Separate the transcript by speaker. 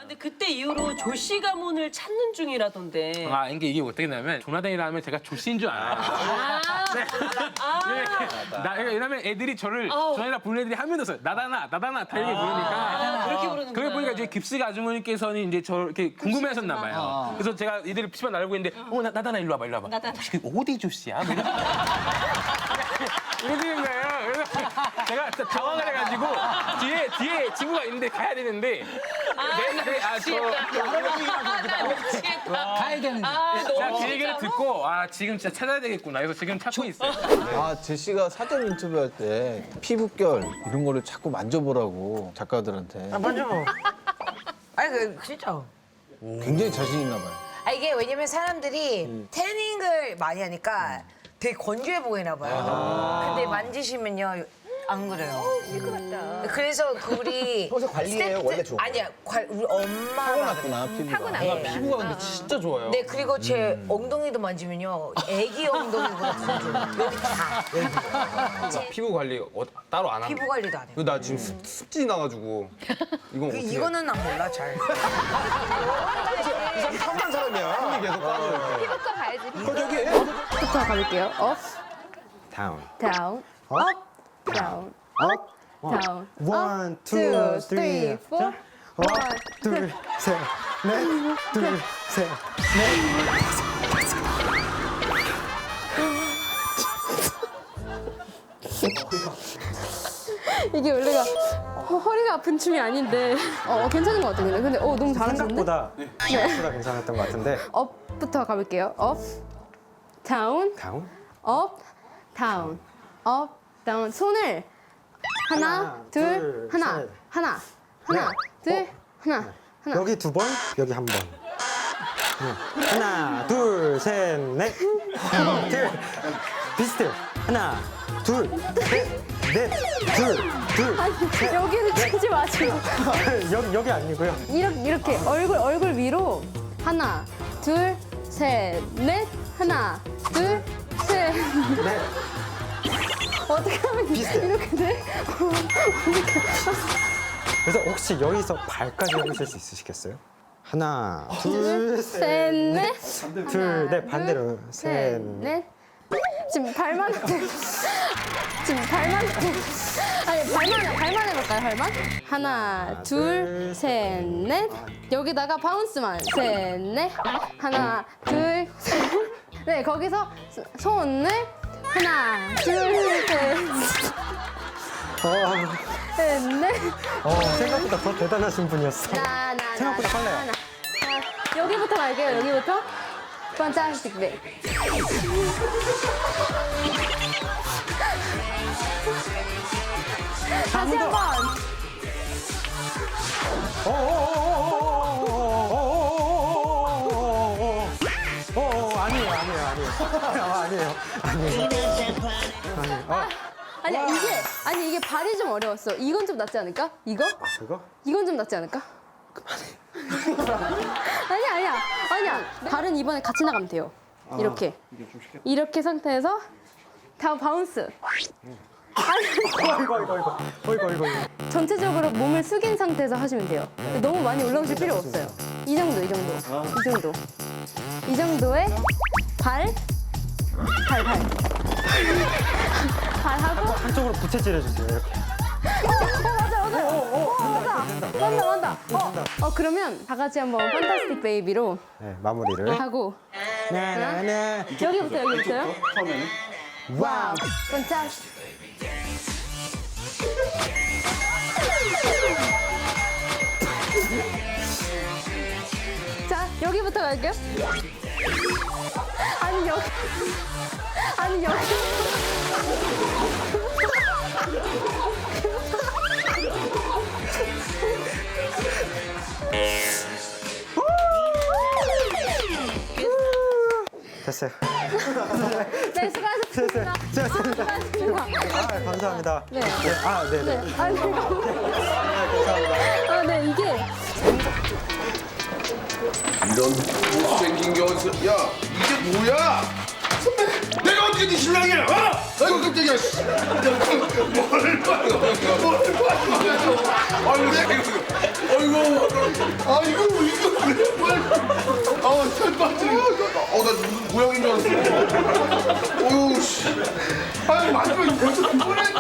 Speaker 1: 근데 그때 이후로 조씨 가문을 찾는 중이라던데.
Speaker 2: 아, 이게 어떻게 되냐면 조나단이라면 제가 조씨인 줄 알아요. 왜냐면 애들이 저를 조나단이라 부르는 애들이 한 명도 없어요. 나다나 다 이렇게 부르니까.
Speaker 1: 그렇게 부르는
Speaker 2: 그래 보니까 이제 깁스가 아주머니께서는 이제 저 이렇게 궁금해하셨나 봐요. 그래서 제가 얘들이 PC방 나르고 있는데 나다나 일로 와봐. 혹시 그 어디 조씨야? 이러시는 거예요. 그래서 제가 진짜 당황을 해가지고 뒤에 친구가 있는데 가야 되는데
Speaker 3: 가야 되는데.
Speaker 2: 제가 그 얘기를 듣고 지금 진짜 찾아야 되겠구나. 그래서 지금 찾고 있어요.
Speaker 4: 아, 제시가 사전 인터뷰할 때 피부결 이런 거를 자꾸 만져보라고 작가들한테.
Speaker 5: 아니 진짜.
Speaker 4: 굉장히 자신 있나 봐요.
Speaker 5: 이게 왜냐면 사람들이 태닝을 많이 하니까 되게 건조해 보이나 봐요. 근데 만지시면요 안 그래요. 시끄럽다. 그래서 우리
Speaker 6: 평소 관리해요? 원래 좋은 거예요?
Speaker 5: 아니야, 우리 엄마가
Speaker 4: 타고났구나, 피부가.
Speaker 5: 네.
Speaker 2: 피부가 근데 진짜 좋아요.
Speaker 5: 네, 그리고 제 엉덩이도 만지면요 애기 엉덩이보다 더 좋아요. 여기 다.
Speaker 7: 피부 관리 따로 안 하는
Speaker 5: 피부 관리도 안 해요.
Speaker 7: 나 지금 습진이 나가지고 이건 어떻게
Speaker 5: 이거는 난 몰라 잘.
Speaker 6: 한 사람이야.
Speaker 7: 힘이 계속 빠져요.
Speaker 8: 피부과 가야지.
Speaker 6: 저기
Speaker 8: 부터 가볼게요. 업,
Speaker 6: 다운.
Speaker 8: 다운, 업, 다운,
Speaker 6: 업.
Speaker 8: 다운.
Speaker 6: 원, 투,
Speaker 8: two,
Speaker 6: 쓰리,
Speaker 8: three, four.
Speaker 6: 원, 둘, 셋, 넷, 둘, 셋.
Speaker 8: 이게 원래가 허리가 아픈 춤이 아닌데 괜찮은 것 같아요. 근데 너무 잘하시는데?
Speaker 6: 생각보다 괜찮았던 것 같은데.
Speaker 8: 업부터 가볼게요. 업, 다운,
Speaker 6: 다운.
Speaker 8: 업, 다운, 업, 다운. 손을 하나, 둘, 하나,
Speaker 6: 셋.
Speaker 8: 하나, 둘, 하나.
Speaker 6: 여기 두 번, 여기 한 번. 하나, 둘, 셋, 넷. 둘. 비슷해. 하나, 둘, 셋, 넷, 둘.
Speaker 8: 아니, 여기를 치지 마시고.
Speaker 6: 여기 아니고요.
Speaker 8: 이렇게 얼굴 위로 하나, 둘, 셋, 넷. 하나, 둘, 셋.
Speaker 6: 넷.
Speaker 8: 어떻게 하면 이렇게 돼?
Speaker 6: 그래서 혹시 여기서 발까지 해보실 수 있으시겠어요? 하나, 둘,
Speaker 8: 셋,
Speaker 6: 셋,
Speaker 8: 넷.
Speaker 6: 둘, 넷. 반대로.
Speaker 8: 셋,
Speaker 6: 셋,
Speaker 8: 넷. 지금 발만 아니 발만 해볼까요? 발만? 하나, 둘, 셋, 넷. 여기다가 바운스만. 셋, 넷. 하나, 둘, 셋. 네, 거기서 손을 하나, 둘, 셋, 넷.
Speaker 6: 생각보다 더 대단하신 분이었어. 생각보다 빨라요.
Speaker 8: 여기부터 갈게요. 여기부터. 판타스틱 백. 다시 한 번. 아니 이게 발이 좀 어려웠어. 이건 좀 낫지 않을까? 이거?
Speaker 6: 그거?
Speaker 8: 이건 좀 낫지 않을까? 아니야. 발은 이번에 같이 나가면 돼요. 이렇게. 이렇게 상태에서 다음 바운스.
Speaker 6: 이거.
Speaker 8: 전체적으로 몸을 숙인 상태에서 하시면 돼요. 너무 많이 올라오실 필요 없어요. 이 정도. 이 정도의 발 하고.
Speaker 6: 한쪽으로 부채질 해주세요. 이렇게.
Speaker 8: 맞다. 그러면 다 같이 한번 판타스틱 베이비로
Speaker 6: 네, 마무리를.
Speaker 8: 하고.
Speaker 6: 나나나.
Speaker 8: 여기부터요? 와우, 판타스틱. 자, 여기부터 갈게요. 아니 여기.
Speaker 6: 됐어요.
Speaker 8: 네, 수고하셨습니다. 수고하셨습니다.
Speaker 6: 감사합니다.
Speaker 8: 네.
Speaker 6: 네네.
Speaker 8: 아니, 네, 이게
Speaker 9: 이런 못생긴 게 어디서? 야, 이게 뭐야? 선배, 내가 어떻게 네 신랑이야? 아이고 깜짝이야. 씨. 뭘 봐, 이거. 아이고, 아이고, 이거 그래, 빨리. 살 빠지네. 나 무슨 모양인 줄 알았어. 어휴, 씨. 아니, 마지막에 벌써 그걸